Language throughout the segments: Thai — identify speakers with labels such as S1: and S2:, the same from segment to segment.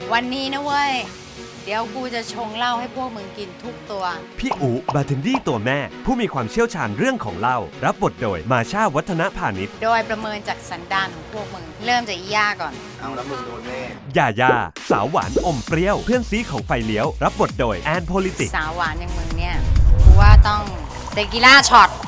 S1: วันนี้นะเว้ย เดี๋ยวกูจะชงเหล้าให้พวกมึงกินทุกตัว
S2: พี่อูบาร์เทนดี้ตัวแม่ ผู้มีความเชี่ยวชาญเรื่องของเหล้ารับบทโดยมาชาวัฒนพานิช
S1: โดยประเมินจากสันดานของพวกมึง เริ่มจากอีย่าก่อน
S3: เอาแล้วมึงโดนแน่
S2: ยาย่าสาวหวานอมเปรี้ยว เพื่อนซีของไฟเลี้ยว รับบทโดยแอนโพลิติก
S1: สาวหวานอย่างมึงเนี่ยกูว่าต้องเตกิล่าช็อต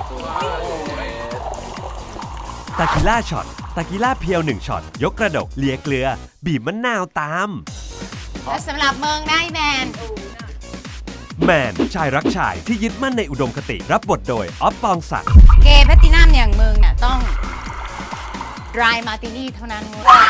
S2: ตากิล่าช็อตตากิล่าเพียว1ช็อตยกกระดกเลียเกลือ บีบมะนาวตาม
S1: และสำหรับมึงนะไอ้แมน
S2: แมนชายรักชายที่ยึดมั่นในอุดมคติ รับบทโดยออฟปองศักดิ์
S1: เกย์แพลตตินัมอย่างมึงเนี่ยต้อง dry martini เท่านั้นเว้ย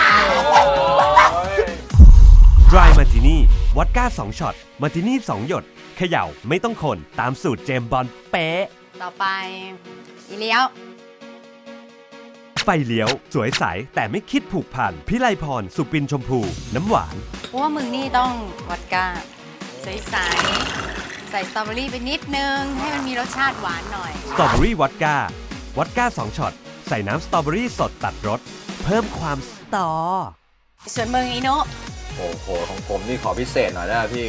S2: Dry Martini วอดก้า2ช็อตมาร์ตินี่2หยดเขย่าไม่ต้องคนตามสูตรเจมส์บอนด์เป๊ะ
S1: ต่อไปอีเลี้ยว
S2: ไฟเลี้ยว สวยใสแต่ไม่คิดผูกพันพิไลพร สุปินชมพู น้ำหวาน
S1: กูว่ามึงนี่ต้องวอดก้าใสๆใส่สตรอเบอรี่ไปนิดนึง ให้มันมีรสชาติหวานหน่อย
S2: สตรอเบอรี่วอดก้าวอดก้า2ช็อตใส่น้ำสตรอเบอรี่สดตัดรสเพิ่มความสตอ
S1: ส่วนมึงอีโน
S3: โอ้โหของผมนี่ขอพิเศษหน่อยได้ไหมพี่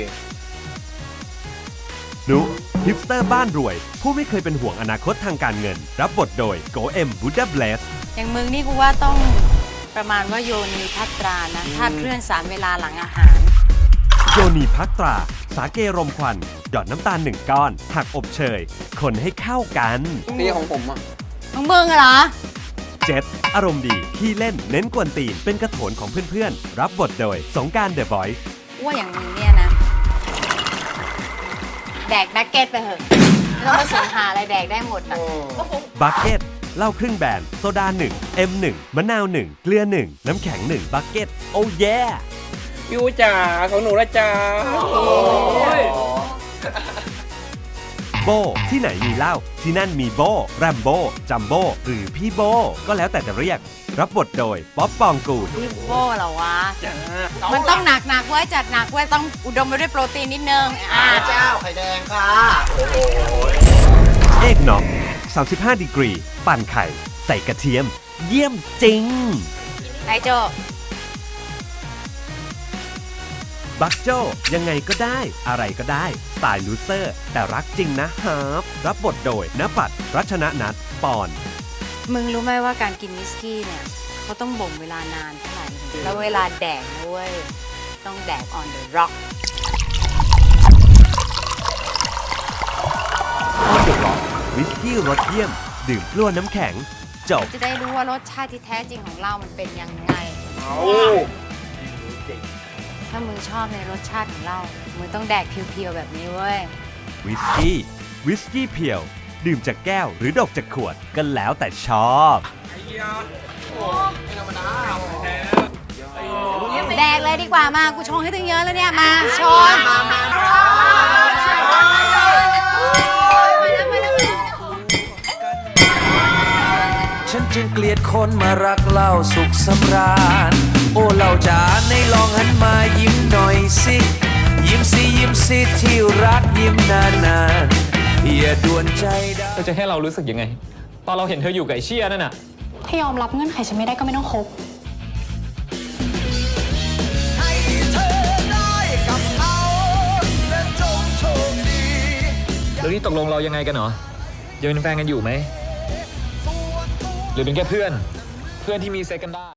S2: นุฮิปสเตอร์บ้านรวย ผู้ไม่เคยเป็นห่วงอนาคตทางการเงิน รับบทโดยโกเอ็มบูดาเบลส
S1: อย่างมึงนี่กูว่าต้องประมาณว่าโยนีพัตรานะถ้าเคลื่อนสารเวลาหลังอาหาร
S2: โยนีพักตรา สาเกรมควันหยอดน้ำตาล1ก้อน หักอบเชย คนให้เข้ากัน
S3: นี่ของผมอ่ะ
S1: มึงเหรอ
S2: เจ็ดอารมณ์ดีขี้เล่นเน้นกวนตีนเป็นกระโถนของเพื่อนๆ รับบทโดยสงกรานต์เดอะบอยซ์
S1: ว่าอย่างมึงเนี่ยนะ แดกแบ็กเก็ตไปเหอะไม่ต้องมาสนหาอะไรแดกได้หมดนะ
S2: บัคเก็ตเหล้าครึ่งแบนโซดา1 M1 มะนาว1เกลือ1น้ำแข็ง1บัคเก็ตโอ้แย่
S4: ยูจ๋าของหนูละจ๋า
S2: โบที่ไหนมีเหล้าที่นั่นมีโบแรมโบจัมโบหรือพี่โบก็แล้วแต่จะเรียก รับบทโดยป๊อปปองกูล
S1: พี่โบ้เหรอวะ มันต้องหนักๆไว้จัดหนักไว้ต้องอุดมไปด้วยโปรตีนนิดนึง
S3: เจ้าไข่แดงค่ะ
S2: เอกน็อก35 ดีกรี ปั่นไข่ ใส่กระเทียม เยี่ยมจริง
S1: ไอโจ
S2: บักโจยังไงก็ได้ อะไรก็ได้ สไตล์ลูเซอร์ แต่รักจริงนะฮาร์ฟรับบทโดยณปัดรัชนนัทปอน
S1: มึงรู้ไหมว่าการกินวิสกี้เนี่ยเขาต้องบ่มเวลานานเท่าไหร่ แล้วเวลาแดกนะเว้ย ต้องแดก on the rock
S2: วิสกี้รสเยี่ยม ดื่มกลัวน้ำแข็ง จบ
S1: จะได้รู้ว่ารสชาติที่แท้จริงของเรามันเป็นยังไง ถ้ามึงชอบในรสชาติของเรา มึงต้องแดกเพียวๆแบบนี้เว้ย
S2: วิสกี้เพียว ดื่มจากแก้วหรือดกจากขวดก็แล้วแต่ชอบ
S1: แดกเลยดีกว่ามา กูชงให้ตึงเยอะแล้วเนี่ย มาชน
S5: ฉันจึงเกลียดคนมารักเหล้าสุขสำราญ โอ้เหล้าจ๋าในลองหันมายิ้มหน่อยสิ ยิ้มสิยิ้มสิที่รักยิ้มนานๆอย่าด่วนใจดา
S4: เธอจะให้เรารู้สึกยังไง ตอนเราเห็นเธออยู่กับไอ้เชี่ยนั่นน่ะ
S6: ถ้ายอมรับเงื่อนไขฉันไม่ได้ก็ไม่ต้องคบ
S4: แล้วนี่ตกลงเรายังไงกันเหรอยังเป็นแฟนกันอยู่ไหม หรือเป็นแค่เพื่อนที่มีเซ็กกันได้